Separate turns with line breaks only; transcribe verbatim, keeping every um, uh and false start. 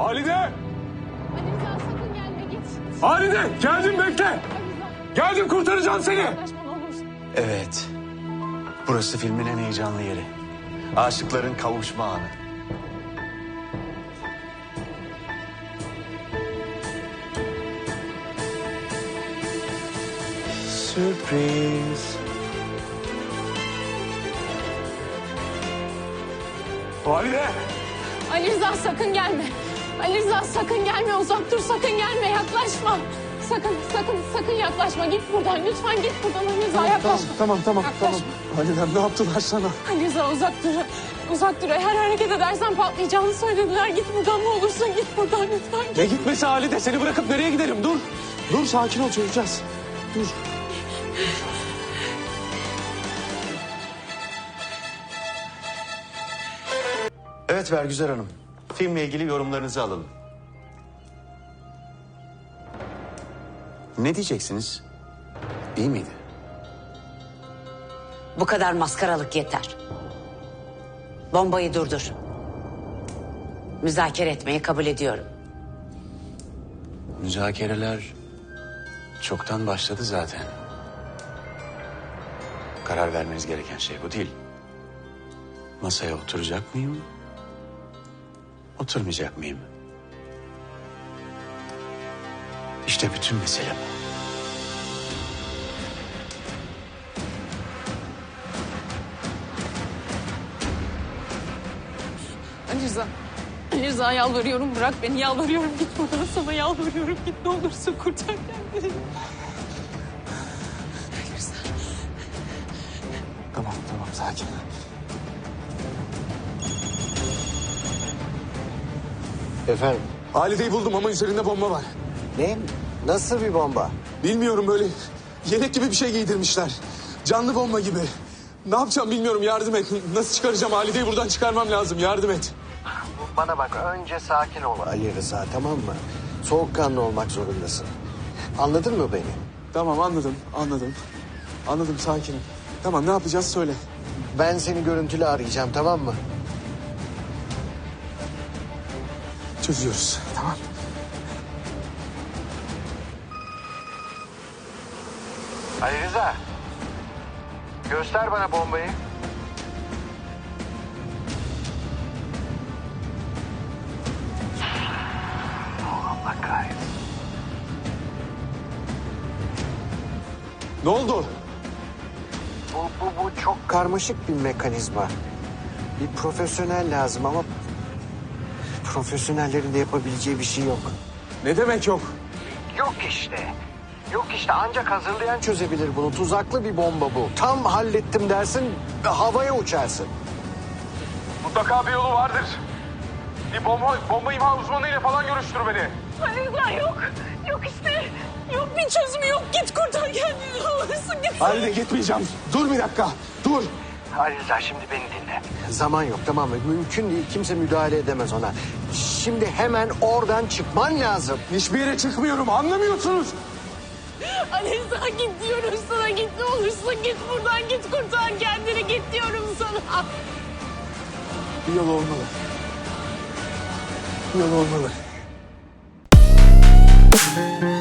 Halide!
Ali Rıza sakın gelme git.
Halide! Geldim bekle!
Ali Rıza.
Geldim kurtaracağım seni!
Yaklaşma ne olursun.
Evet. Burası filmin en heyecanlı yeri. Aşıkların kavuşma anı. Sürpriz.
Halide!
Ali Rıza sakın gelme. Ali Rıza sakın gelme, uzak dur, sakın gelme, yaklaşma. Sakın, sakın, sakın yaklaşma. Git buradan, lütfen git buradan Ali Rıza, yaklaşma.
Tamam tamam
Yaklaşma.
tamam. Halide ne yaptılar sana?
Ali Rıza uzak dur, uzak dur. Her hareket edersen patlayacağını söylediler. Git buradan ne olursun, git buradan lütfen. Git.
Ne gitmesi Halide? Seni bırakıp nereye giderim? Dur. Dur sakin ol çözeceğiz. Dur.
Evet Vergüzar Hanım. Filmle ilgili yorumlarınızı alalım. Ne diyeceksiniz? İyi miydi?
Bu kadar maskaralık yeter. Bombayı durdur. Müzakere etmeyi kabul ediyorum.
Müzakereler çoktan başladı zaten. Karar vermeniz gereken şey bu değil. Masaya oturacak mıyım? Oturmayacak mıyım? İşte bütün mesele bu.
Ali Rıza, Ali Rıza yalvarıyorum, bırak beni, yalvarıyorum. Git buradan, sana yalvarıyorum. Git ne olursun, kurtar kendini. Ali Rıza.
Tamam tamam sakin.
Efendim?
Halide'yi buldum ama üzerinde bomba var.
Ne? Nasıl bir bomba?
Bilmiyorum böyle yelek gibi bir şey giydirmişler. Canlı bomba gibi. Ne yapacağım bilmiyorum yardım et. Nasıl çıkaracağım Halide'yi buradan çıkarmam lazım yardım et.
Bana bak, önce sakin ol Ali Rıza, tamam mı? Soğukkanlı olmak zorundasın. Anladın mı beni?
Tamam anladım anladım. Anladım sakinim. Tamam ne yapacağız söyle.
Ben seni görüntülü arayacağım, tamam mı?
Çözüyoruz tamam.
Ali Rıza. Göster bana bombayı. Allah kahretsin.
Ne oldu?
Bu, bu, bu çok karmaşık bir mekanizma. Bir profesyonel lazım ama... profesyonellerin de yapabileceği bir şey yok.
Ne demek yok?
Yok işte. Yok işte, ancak hazırlayan çözebilir bunu. Tuzaklı bir bomba bu. Tam hallettim dersin ve havaya uçarsın.
Mutlaka bir yolu vardır. Bir bomba, bomba imha uzmanıyla falan görüştür beni.
Ali Rıza yok, yok işte. Yok bir çözümü yok. Git kurtar kendini ne olursun, git.
Halide gitmeyeceğim. Dur bir dakika. Dur.
Ali Rıza, şimdi beni dinle. Zaman yok, tamam mı? Mümkün değil. Kimse müdahale edemez ona. Şimdi hemen oradan çıkman lazım.
Hiçbir yere çıkmıyorum anlamıyorsunuz.
Ali Rıza git diyorum sana, git ne olursun, git buradan, git kurtar kendini, git diyorum sana.
Bir yol olmalı. Bir yol olmalı.